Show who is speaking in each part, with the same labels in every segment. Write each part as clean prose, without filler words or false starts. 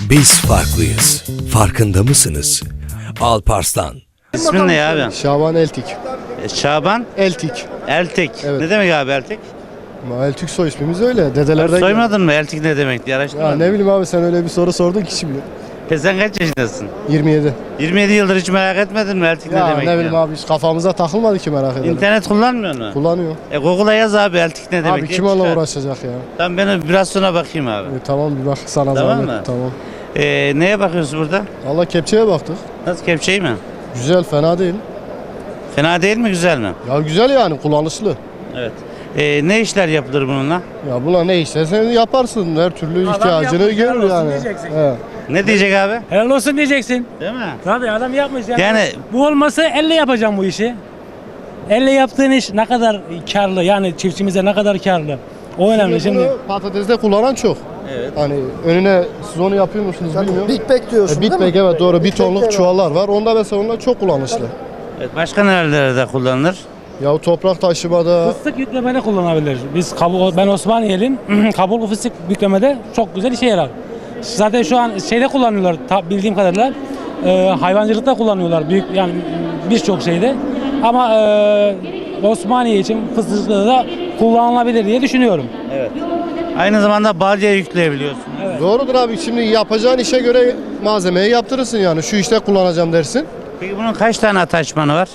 Speaker 1: Biz farklıyız. Farkında mısınız? Alparslan.
Speaker 2: İsmin ne abi?
Speaker 3: Şaban Eltik.
Speaker 2: Şaban
Speaker 3: Eltik.
Speaker 2: Eltik.
Speaker 3: Evet.
Speaker 2: Ne demek abi Eltik?
Speaker 3: Eltik soy ismimiz öyle. Dedelerden
Speaker 2: Soymadın mı? Eltik ne demek diye
Speaker 3: Ya
Speaker 2: araştırmadın.
Speaker 3: ne bileyim abi, sen öyle bir soru sordun ki şimdi.
Speaker 2: Sen kaç yaşındasın?
Speaker 3: 27.
Speaker 2: 27 yıldır hiç merak etmedin mi Eltik ne
Speaker 3: Ya
Speaker 2: demek
Speaker 3: ne bileyim
Speaker 2: diye?
Speaker 3: abi, hiç kafamıza takılmadı ki, merak edelim.
Speaker 2: İnternet kullanmıyor mu?
Speaker 3: Kullanıyor.
Speaker 2: Google'a yaz abi Eltik ne demek
Speaker 3: Abi
Speaker 2: diye
Speaker 3: kim onunla
Speaker 2: çıkar.
Speaker 3: uğraşacak ya?
Speaker 2: Tamam ben biraz sonra bakayım abi.
Speaker 3: Tamam, bir bak sana
Speaker 2: Tamam
Speaker 3: zahmet.
Speaker 2: mı?
Speaker 3: Tamam.
Speaker 2: Neye bakıyorsun burada?
Speaker 3: Allah, kepçeye baktık.
Speaker 2: Nasıl kepçeyi mi?
Speaker 3: Güzel, fena değil.
Speaker 2: Fena değil mi güzel mi?
Speaker 3: Ya güzel yani, kullanışlı.
Speaker 2: Evet. Ne işler yapılır bununla?
Speaker 3: Ya buna ne istersen yaparsın. Her türlü ihtiyacını
Speaker 4: yapmış, helal
Speaker 3: görür
Speaker 4: olsun
Speaker 3: yani.
Speaker 4: diyeceksin.
Speaker 3: He.
Speaker 2: Ne diyecek abi?
Speaker 4: Helal olsun diyeceksin.
Speaker 2: Değil mi?
Speaker 4: Tabii adam yapmış yani.
Speaker 2: Yani-
Speaker 4: bu olmasa elle yapacağım bu işi. Elle yaptığın iş ne kadar karlı, yani çiftçimize ne kadar karlı. O önemli şimdi.
Speaker 3: Bunu patatesde kullanan çok.
Speaker 2: Evet.
Speaker 3: Hani önüne siz onu yapıyor musunuz bilmiyorum.
Speaker 5: Big Bag diyorsun
Speaker 3: Big
Speaker 5: değil
Speaker 3: Bag,
Speaker 5: mi?
Speaker 3: evet doğru, bir
Speaker 5: Big
Speaker 3: tonluk
Speaker 5: Bag'ler var.
Speaker 3: çuvallar var. Onda mesela onlar çok kullanışlı.
Speaker 2: Evet, başka nerelerde kullanılır?
Speaker 3: Ya toprak taşımada,
Speaker 4: Fıstık yüklemede kullanabilir. Biz ben Osmaniyeliyim. Kabuklu fıstık yüklemede çok güzel işe yarar. Zaten şu an şeyde kullanıyorlar bildiğim kadarıyla. Hayvancılıkta kullanıyorlar büyük, yani birçok şeyde. Ama Osmaniye için fıstıkta da kullanılabilir diye düşünüyorum.
Speaker 2: Evet. Aynı zamanda balya yükleyebiliyorsun.
Speaker 3: doğrudur abi. Şimdi yapacağın işe göre malzemeyi yaptırırsın yani. Şu işte kullanacağım dersin.
Speaker 2: Peki bunun kaç tane ataçmanı var?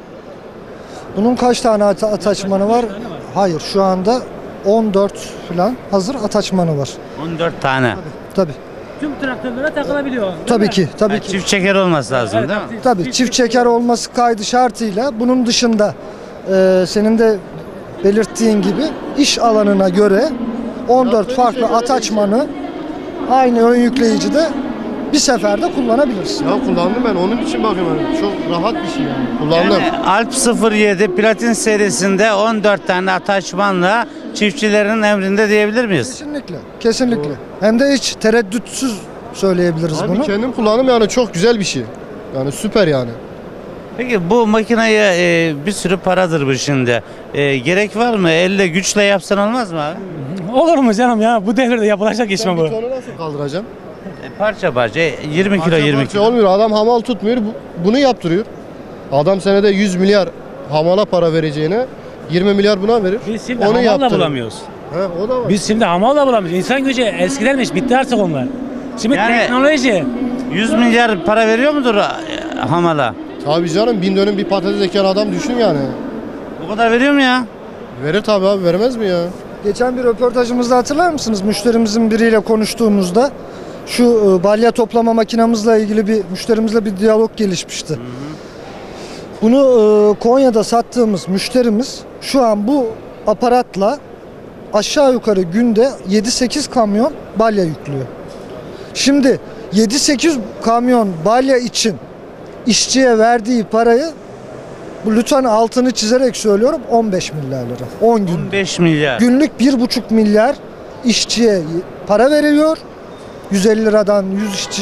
Speaker 5: Bunun kaç tane ataçmanı var? Hayır, şu anda 14 falan hazır ataçmanı var.
Speaker 2: 14 tane.
Speaker 5: Tabii.
Speaker 4: Tüm traktörlere takılabiliyor. değil
Speaker 5: Tabii
Speaker 4: mi?
Speaker 5: ki, tabii
Speaker 2: Yani
Speaker 5: ki.
Speaker 2: çift çeker olması lazım
Speaker 4: Evet,
Speaker 2: değil mi?
Speaker 5: Tabii çift çeker olması kaydı şartıyla, bunun dışında senin de belirttiğin gibi iş alanına göre 14 farklı ataçmanı aynı ön yükleyicide bir seferde kullanabilirsin.
Speaker 3: Ya kullandım ben, onun için bakıyorum. Yani. Çok rahat bir şey yani. Kullandım.
Speaker 2: Yani Alp 07 Platin serisinde 14 tane ataçmanla çiftçilerin emrinde diyebilir miyiz?
Speaker 5: Kesinlikle, kesinlikle. Hem de hiç tereddütsüz söyleyebiliriz
Speaker 3: Abi
Speaker 5: bunu.
Speaker 3: kendim kullandım yani, çok güzel bir şey. Yani süper yani.
Speaker 2: Peki bu makineye bir sürü paradır bu şimdi. Gerek var mı? Elle güçle yapsan olmaz mı abi?
Speaker 4: Olur mu canım ya? Bu devirde yapılacak iş mi
Speaker 3: Ben
Speaker 4: bu?
Speaker 3: bir tonu nasıl kaldıracağım?
Speaker 2: Parça parça 20 kilo 20
Speaker 3: Parça
Speaker 2: kilo.
Speaker 3: olmuyor. Adam hamal tutmuyor. Bunu yaptırıyor. Adam senede 100 milyar hamala para vereceğine 20 milyar buna verir.
Speaker 4: Biz şimdi
Speaker 3: Onu
Speaker 4: hamal da
Speaker 3: yaptırır.
Speaker 4: bulamıyoruz.
Speaker 3: He, o da var.
Speaker 4: Biz şimdi hamal da bulamıyoruz. İnsan gücü eskidenmiş, bitti artık onlar. Şimdi
Speaker 2: Yani-
Speaker 4: teknoloji.
Speaker 2: 100 milyar para veriyor mudur hamala?
Speaker 3: Tabii canım, 1000 dönüm bir patates eken adam düşün yani.
Speaker 2: Bu kadar veriyor mu ya?
Speaker 3: Verir tabii abi, vermez mi ya?
Speaker 5: Geçen bir röportajımızda hatırlar mısınız? Müşterimizin biriyle konuştuğumuzda şu balya toplama makinamızla ilgili bir müşterimizle bir diyalog gelişmişti. Bunu Konya'da sattığımız müşterimiz şu an bu aparatla aşağı yukarı günde 7-8 kamyon balya yüklüyor. Şimdi 7-8 kamyon balya için işçiye verdiği parayı, bu lütfen altını çizerek söylüyorum, 15 milyar lira. 10 gün.
Speaker 2: 15 milyar.
Speaker 5: Günlük 1,5 milyar işçiye para veriliyor. 150 liradan 100 işçi,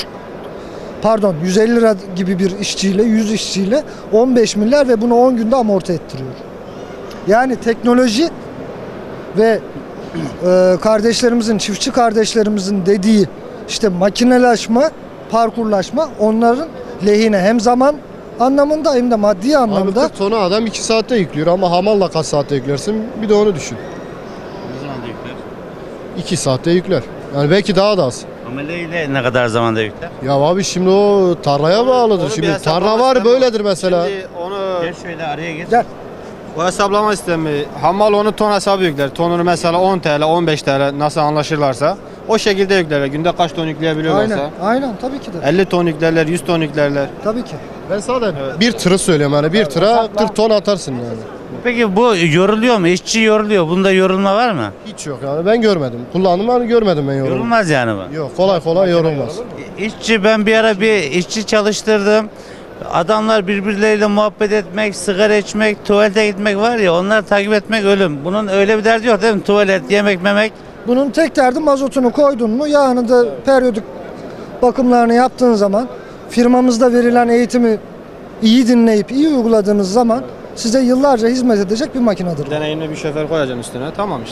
Speaker 5: 150 lira gibi bir işçiyle, 100 işçiyle 15 milyar ve bunu 10 günde amorti ettiriyor. Yani teknoloji ve kardeşlerimizin, çiftçi kardeşlerimizin dediği işte makinelaşma, parkurlaşma onların lehine, hem zaman anlamında hem de maddi
Speaker 3: Abi
Speaker 5: anlamda.
Speaker 3: 40 tonu adam 2 saatte yüklüyor ama hamalla kaç saatte yüklersin? Bir de onu düşün.
Speaker 2: Ne zaman da yükler?
Speaker 3: 2 saatte yükler. Yani belki daha da az.
Speaker 2: Ameleyle ne kadar zamanda yükler?
Speaker 3: Ya abi şimdi o tarlaya bağlıdır. Şimdi tarla var böyledir mesela.
Speaker 6: Şimdi onu
Speaker 2: Gel şöyle araya geç.
Speaker 5: Gel.
Speaker 6: o hesaplama sistemi, hamal onu ton hesabı yükler. Tonunu mesela 10 TL, 15 TL nasıl anlaşırlarsa o şekilde yüklerler. Günde kaç ton yükleyebiliyorlarsa.
Speaker 5: Aynen, aynen tabii ki de.
Speaker 6: 50 ton yüklerler, 100 ton yüklerler.
Speaker 5: Tabii ki.
Speaker 3: Ben sadece bir tırı söylüyorum yani, bir tıra 40 ton atarsın yani.
Speaker 2: Peki bu yoruluyor mu? İşçi yoruluyor. Bunda yorulma var mı?
Speaker 3: Hiç yok yani, ben görmedim. Kullandım hani, görmedim ben yorulma.
Speaker 2: Yorulmaz yani bu.
Speaker 3: Yok, kolay kolay yorulmaz.
Speaker 2: İşçi, ben bir ara bir işçi çalıştırdım. Adamlar birbirleriyle muhabbet etmek, sigara içmek, tuvalete gitmek var ya, onları takip etmek ölüm. Bunun öyle bir derdi yok değil mi? Tuvalet, yemek, memek.
Speaker 5: Bunun tek derdi mazotunu koydun mu, yağını da periyodik bakımlarını yaptığın zaman, firmamızda verilen eğitimi iyi dinleyip iyi uyguladığınız zaman size yıllarca hizmet edecek bir makinedir.
Speaker 6: Deneyimli bir şoför koyacaksın üstüne, tamam işte.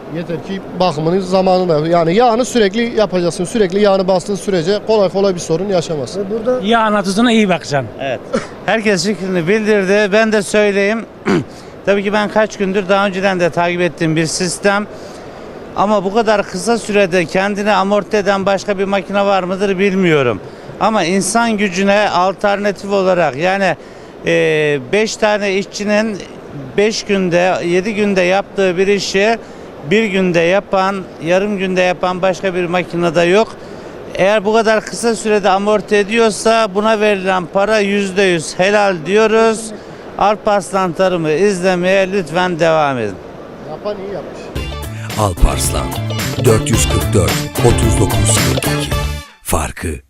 Speaker 3: Yeter ki bakımını zamanında, yani yağını sürekli yapacaksın. Sürekli yağını bastığın sürece kolay kolay bir sorun yaşamazsın.
Speaker 5: Ve burada
Speaker 4: İyi anlatısına iyi bakacaksın.
Speaker 2: Evet. Herkes fikrini bildirdi. Ben de söyleyeyim. Tabii ki ben kaç gündür daha önceden de takip ettiğim bir sistem. Ama bu kadar kısa sürede kendini amorti eden başka bir makine var mıdır bilmiyorum. Ama insan gücüne alternatif olarak yani 5 tane işçinin 5 günde 7 günde yaptığı bir işi bir günde yapan, yarım günde yapan başka bir makinede yok. Eğer bu kadar kısa sürede amorti ediyorsa buna verilen para %100 helal diyoruz. Alparslan Tarım'ı izlemeye lütfen devam edin.
Speaker 3: Yapan iyi yapmış.
Speaker 1: Alparslan 444 39 42. Farkı